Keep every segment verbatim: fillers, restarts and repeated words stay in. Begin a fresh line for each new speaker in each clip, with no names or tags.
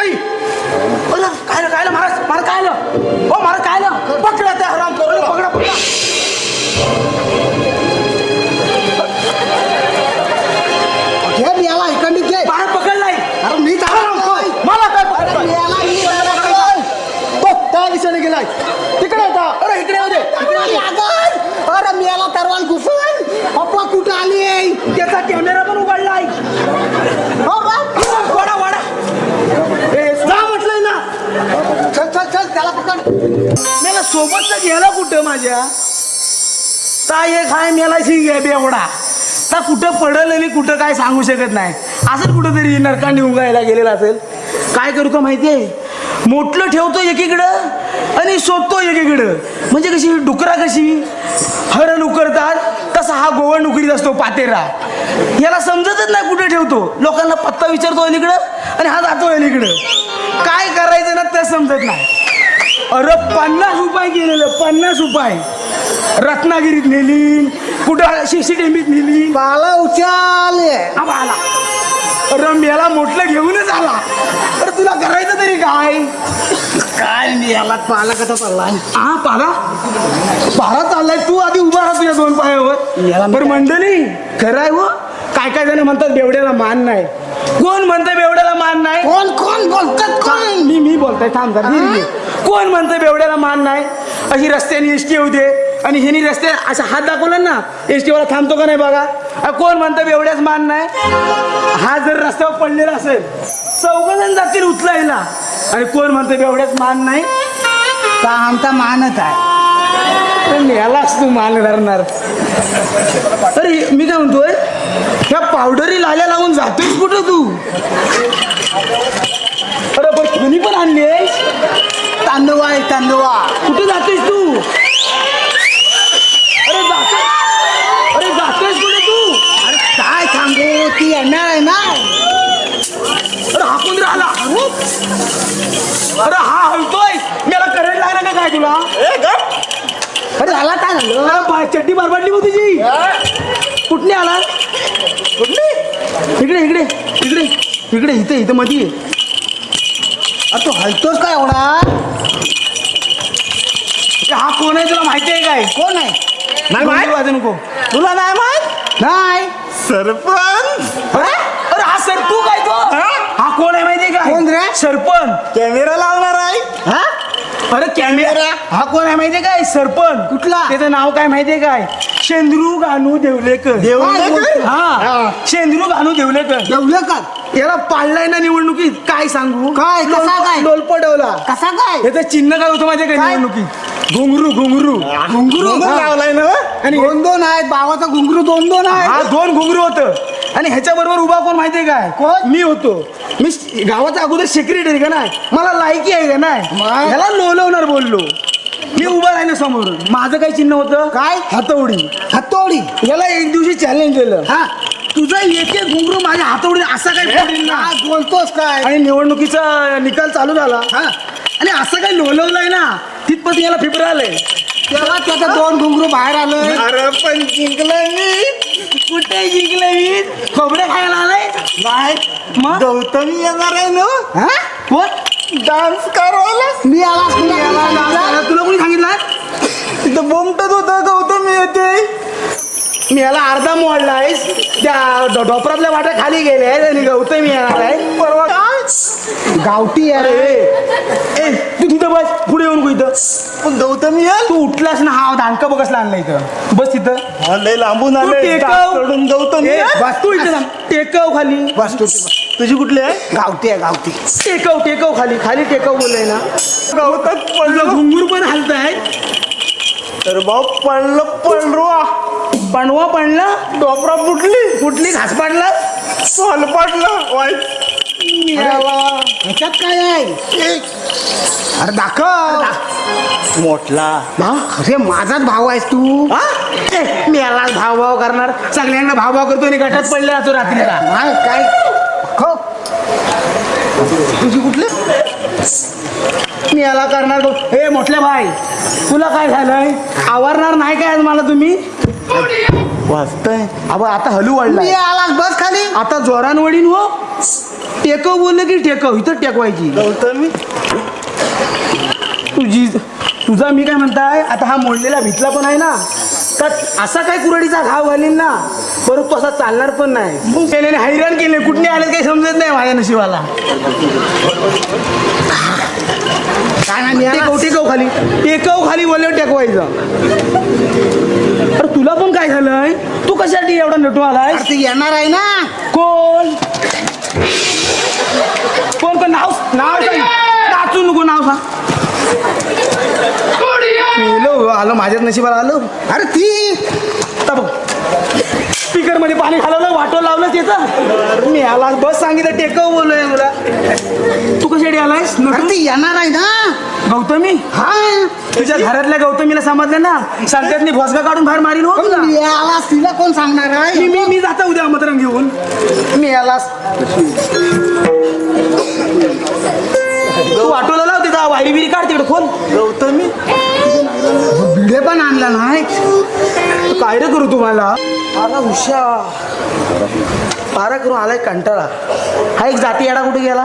नाही. काय काय महाराज महाराज काय हो महाराज काय पकडा त्या हराम करू पकडा पकडा.
घे मी याला इकडे घे.
महाराज पकडलाय.
अरे मी
मला काय पकडलाय
त्या दिशेने गेलाय तिकडे होता.
अरे इकडे होते
अरे मी याला तरवाल घुसून पप्पा कुठं आली.
त्याचा कॅमेरा पण उघडलाय. वाडा वाडा जा म्हटलंय ना.
चल चल चल त्याला पकड.
मला सोबतच गेला कुठं माझ्या ता एक हाय मेला शिंग बेवडा ता कुठं पडल आणि कुठं काय सांगू शकत नाही. असं कुठं तरी नरकांनी उगायला गेलेला असेल. काय करतो माहितीये मोठलं ठेवतो एकीकडं आणि शोधतो एकीकडं. म्हणजे कशी डुकरा कशी हरण उकरतात तसा हा गोवण उकरीत असतो पातेरा. याला समजतच नाही कुठे ठेवतो. लोकांना पत्ता विचारतो अलीकडं आणि हा जातो अलीकडं. काय करायचं ना ते समजत नाही. अरे पन्नास रुपये गेलेलं पन्नास रुपये रत्नागिरीत नेली कुठं सीसीटीव्हीत नेली.
बाला उचाल
आला रम्याला मोठलं घेऊनच आला. तर तुला करायचं तरी काय
काय मी याला पाला कसा चाललाय.
हा पाला पाला चाललाय. तू आधी उभा राहा तुझ्या दोन पायावर. बरं मंडळी खरं आहे हो. काय काय जण म्हणतात बेवड्याला मान नाही. कोण म्हणतं बेवड्याला मान नाही.
कोण कोण बोलतात कोण.
मी मी बोलतोय थांब जरा. कोण म्हणतं बेवड्याला मान नाही. अशी रस्त्याने एसटी येऊ दे आणि हिनी रस्ते असा हात दाखवला ना एसटीवाला थांबतो का नाही बघा. कोण म्हणतं बेवड्याच मान नाही. हा जर रस्त्यावर पडलेला असेल चौघजण जातील उचलायला आणि कोण म्हणतं बेवड्याच मान नाही.
का आमचा मानच आहे.
पण यालाच तू मान धरणार. अरे मी काय म्हणतोय ह्या पावडरी लाल्या लावून जातोयस कुठं तू. अरे पण कोणी पण आणली
तांदूळ आहे तांदूळ.
कुठे जातोयस तू. अरे जातोय अरे जातोयस कुठे तू.
अरे काय सांगू ती येणार आहे ना.
अरे हा कोण राहिला. अरे हा हलतोय. मला करंट लागला का काय तुला.
अरे आला काय झालं.
चड्डी बरबाडली हो तुझी. कुठली आला कुठली. इकडे इकडे इकडे इकडे इथे इथं मध्ये.
अरे तू हलतोस काय एवढा.
हा कोण आहे तुला माहिती आहे काय.
कोण आहे.
नाही माहिती वाजू नको. तुला नाही माहित.
नाही
सरपंच. अरे हा सर तू काय तो. हा कोण आहे माहितीये का.
कोण रे.
सरपंच.
कॅमेरा लावणार आहे. हा
अरे कॅमेरा. हा कोण आहे माहितीये काय. सरपंच.
कुठला.
त्याचं नाव काय माहितीये काय. शेंद्रू गानू देवलेकर.
देवलेकर?
हा शेंद्रू गानू देवलेकर.
देवलेकर
याला पाळलाय ना निवडणुकीत. काय सांगू.
काय कसा काय
लोलपटवला.
कसा काय.
याचं चिन्ह काय होतं माहितीये का निवडणुकीत. घुंगरू घुंगरू
घुंगरू
लावलाय ना. आणि
दोन दोन आहेत. बाबाचा घुंगरू दोन दोन आहे.
हा दोन घुंगरू होतं. आणि ह्याच्या बरोबर उभा कोण माहितीये काय.
कोण.
मी होतो. मी गावाचा अगोदर सेक्रेटरी का नाही. मला लायकी आहे का नाही. ह्याला लोलवणार बोललो. मी उभा राहिलो समोर. माझं काय चिन्ह होतं
काय.
हातोडी.
हातोडी.
याला एक दिवशी चॅलेंज दिलं.
हा
तुझा एक एक घुंगरू माझ्या हातोडी असा काय पडेल ना.
काय बोलतोस काय.
आणि निवडणुकीचा निकाल चालू झाला.
हा
आणि असं काही लोलवलंय ना तिथपत याला फिबर आलंय.
तेव्हा त्याचं दोन घुंगरू बाहेर आलं.
अरे पण जिंकलं मी. कुठे जिंकलं मी. खोबरे खायला आलाय.
नाही
मग
गौतमी येणार आहे ना. हा
कोण
डान्स करायला. मी आला
तुला कोणी सांगितलं.
तिथं बोमटत होतं गौतमी येते.
मी याला अर्धा मोडलाय. त्या ढोपरातल्या वाट्या खाली गेले आणि गौतमी येणार आहे परवा.
गावठी अरे.
ए तू तिथं बस पुढे येऊन इथं.
पण गौतमी आहे.
तू उठलास ना. हा दांडका बघसला आणला इथं. बस तिथं.
लय लांबून
तू टेकव.
गौतमी
ए, बस तू इथं टेकव खाली.
बस तू
तुझी कुठली आहे.
गावठी आहे गावठी.
टेकव टेकव खाली खाली टेकव बोललाय ना.
गवतात
पडलं घुंगूर पण हलताय.
तर भाऊ पडलं पडवा.
पणवा पडला.
डोपरा फुटली.
कुठली घास पाडला.
सोल पडलं वाईट. ह्याच्यात काय आहे. अरे दाखव. मोठला. अरे माझाच भाऊ आहेस तू.
मी याला भाव भाव करणार. सगळ्यांना भाव भाव करतो आणि गटात पडले असतो रात्रीला.
काय खो
तुझी कुठले. मी याला करणार. हे मोठल्या भाई तुला काय झालंय. आवरणार नाही काय आज मला तुम्ही.
वाचतय.
अब आता हलू वाढला.
आला बस खाली.
आता जोरान वडीन हो. टेकव बोललं की टेकव इथं टेकवायची
गौतमी
तुझी तुझा मी काय म्हणताय आता हा मोडलेला भितला पण आहे ना तर असा काय कुरडीचा घाव घालीन ना परत तो असा चालणार पण नाही त्याने हैराण केले कुठने आले काही समजत नाही माझ्या नशिबाला
काय नाही
टेकव टेकव खाली टेकव खाली बोलले टेकवायचं अरे तुला पण काय झालंय तू कशासाठी एवढा नटू आलाय
अरे ते येणार आहे ना
कोण कोण कोण नाव नाव सांग नाचू नको नाव सांग मेलो आलं माझ्याच नशिबाला आलं
अरे ती
स्पीकर मध्ये पाणी घालवलं वाटो लावलं त्याचं मी आला बस सांगितलं टेकव बोललोय तुला तू कशासाठी आलायस
अरे ती येणार आहे ना
गौतमी
हा
तुझ्या घरातल्या गौतमीला समजलं ना सांगतात भोसगा काढून बाहेर मारीन हो तुला
मी आलास तिला कोण सांगणार
मी
आहे
मी मी जाता उद्या आमंत्रण घेऊन मी आलास तू वाटोला लाव तिथं वायरी बिरी काढ तिकडे खोल
गौतमी भिडे पण आणला नाही
काय रे करू तुम्हाला अरे उषा पारा करून आलाय कंटाळा हा एक जाती येडा कुठे गेला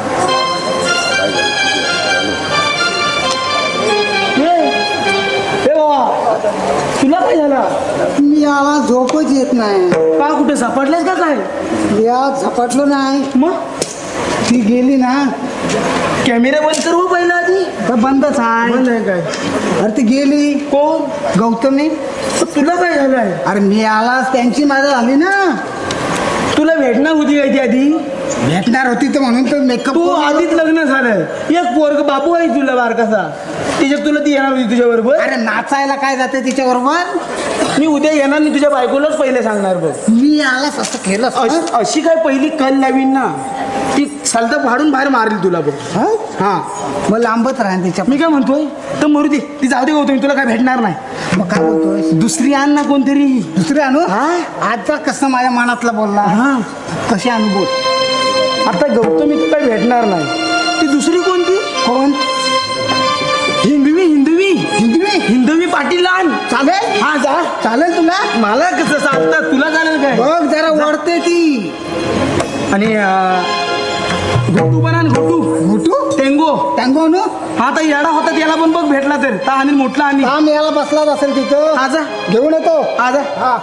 ए, ए बाबा तुला काय झाला
मी आला झोपच येत नाही
का कुठे झपाटलेस का काय
या झपटलो नाही
मग
ती गेली ना
कॅमेरा बंद कर हो पहिला आधी
तर बंदच
बंद
आहे
आहे काय
अरे ती गेली
कोण
गौतमी
तुला काय झालंय
अरे मी आलास त्यांची माझं झाली ना
तुला भेटणार होती काय ती आधी
भेटणार होती तर म्हणून तर मेकअप
तू आधीच लग्न झालंय एक पोरग बाबू आहे तुला बारकासा तिच्यात तुला ती येणार होती तुझ्या बरोबर
अरे नाचायला काय जाते तिच्या बरोबर
मी उद्या येणार नाही तुझ्या बायकोलाच पहिले सांगणार बघ
मी आलास असं केलं
अश- अशी काय पहिली कल लावीन ना ती सलता फाडून बाहेर मारली तुला बघ हा
मग लांबच राहील तिच्या
मी काय म्हणतोय तर मरू दे ती जाऊ दे गौतमी तुला काय भेटणार नाही
मग काय बोलतोय
दुसरी आण ना कोणतरी
दुसरे आणू
हा?
आजचा कसं माझ्या मनातलं बोलला
हा
कशी आणू बोल
आता गौतमी तर काही भेटणार नाही ती दुसरी कोणती
कोण
हिंदवी हिंदवी
हिंदवी
हिंदवी पाटील आण
चालेल
हा जा
चालेल तुला
मला कसं सांगतात तुला चालेल काय
बघ जरा वळते ती
आणि अं, घोटू पण आण घोटू
घुटू
टेंगो
टँगो आणू
हा तर येडा होता त्याला पण बघ भेटला तर ता आणि मोठला आणि
काम याला बसलाच असेल तिथं
आजा
घेऊन येतो
आजा
हा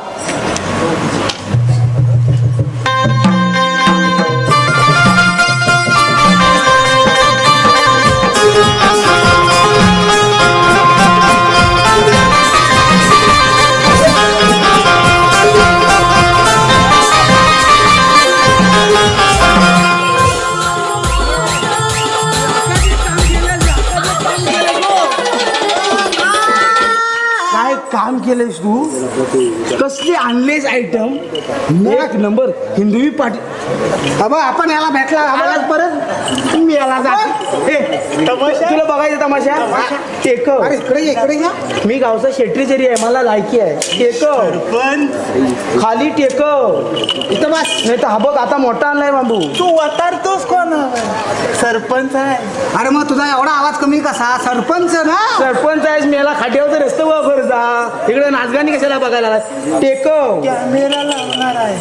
काय काम केलंयस तू कसले आणलेस आयटम एक नंबर हिंदवी पाटील
बाबा आपण याला भेटला
आलाच परत मी याला जा ए, तुला बघायचं तमाशा टेकव
अरे इकडे ये, इकडे या
मी गावचा शेट्रीचेरी आहे मला लायकी आहे टेकव
पण
खाली टेकव
इथं बस
नाही तर हा बघ आता मोठा आणलाय बांबू
तू वतारतोस कोण सरपंच आहे
अरे मग तुझा एवढा आवाज कमी कसा सरपंच ना
सरपंच आहेस मी याला खाट्यावरचं रस्ते वर जा इकडे नाचगाणी कशाला बघायला आलास? टेकव
कॅमेरा लावणार आहे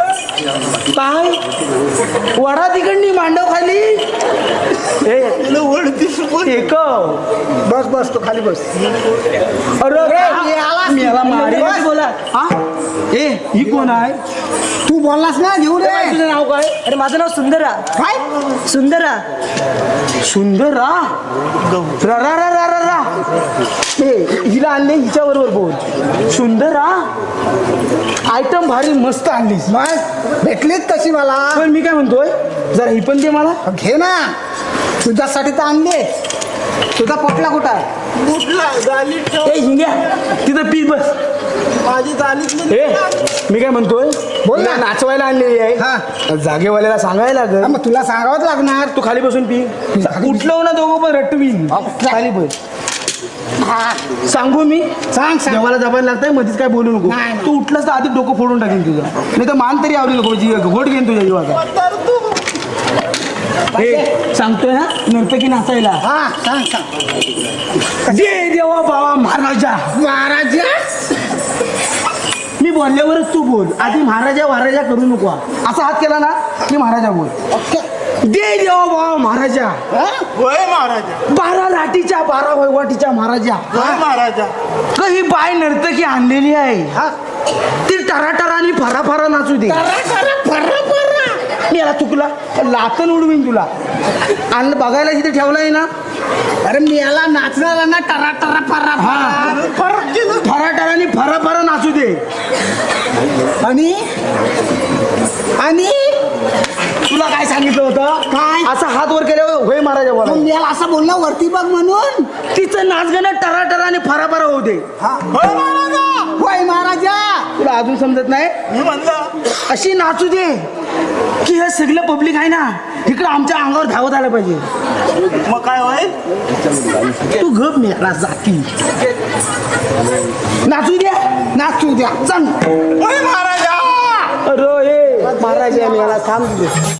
काय वडा तिकडनी मांडव खाली ए
तुला ओळखीस पण
टेकव
बस बस तू खाली बस
अरे
मी आलास.
मी याला मारेन
बस.
बोला हा ए ही कोण आहे
तू बोललास ना घेऊन
काय
ये
तुझं नाव काय
अरे माझं नाव सुंदरा
काय
सुंदरा
सुंदर रा रा रा रा रा रा रा ए हिला आणले हिच्या बरोबर बोल सुंदर रा आयटम भारी मस्त आणलीस
मग भेटलीच कशी मला
पण मी काय म्हणतोय जरा ही पण दे मला
घे ना तुझ्यासाठी तर आणले तुझा पोटला कुठं आहे
कुठला गालीत ठेव
ए हिंग्या तिथं पीस बस
माझी गालीत
ए मी काय म्हणतोय
बोल ना.
हिला नाचवायला आणलेली
हा.
आहे जागेवाल्याला सांगायला
हा,
लागल
मग तुला सांगावंच लागणार
तू खाली बसून पी उठलं ना दोघं पण रट्टवीन खाली बस
हा,
सांगू मी
सांग सांग
देवाला जपायला लागतंय मध्येच काय बोलू नको
नाही, नाही.
तू उठलास तर आधी डोकं फोडून टाकेन तुझं नाही तर मान तरी आवडी नको जी घोट घेईन तुझ्या जीवाचा हे सांगतोय ना नर्तकी नाचायला
हा सांग सांग
जय देवा बाबा महाराजा
महाराजा
मी बोलल्यावरच तू बोल आधी महाराजा महाराजा करू नको असा हात केला ना की महाराजा बोल
ओके
दे देवा बाबा महाराजा
हा?
होय महाराजा
बारा लाटीच्या बारा वैवाटीच्या महाराजा
होय महाराजा
क ही बाय नर्तकी आणलेली आहे
हा?
ती टराटराने फरा फरा नाचू दे
टरा, टरा, फर्रा, फर्रा.
याला चुकला लातन उडवीन तुला आणि बघायला तिथे ठेवलाय ना
अरे मेला नाचणारा ना टरा टरा फर्रा
हा
फर्रा.
टराटराने फरा फरा नाचू दे
आणि आणि
तुला काय सांगितलं होतं
काय?
असा हात वर केल्यावर होय महाराजा
मग
बोला
मेला असं बोलला वरती बघ म्हणून
तिचं नाचगाणं टराटराने फरा फरा होऊ दे
होय महाराजा
होय महाराजा.
तुला अजून समजत नाही
मी म्हणलं
अशी नाचू दे की हे सगळं पब्लिक आहे ना इकडं आमच्या अंगावर धावत आलं पाहिजे
मग काय होईल
तू गप मेला जाती नाचू द्या
नाचू द्या
सांग
होय महाराजा
अरे हे महाराजा मेला थांब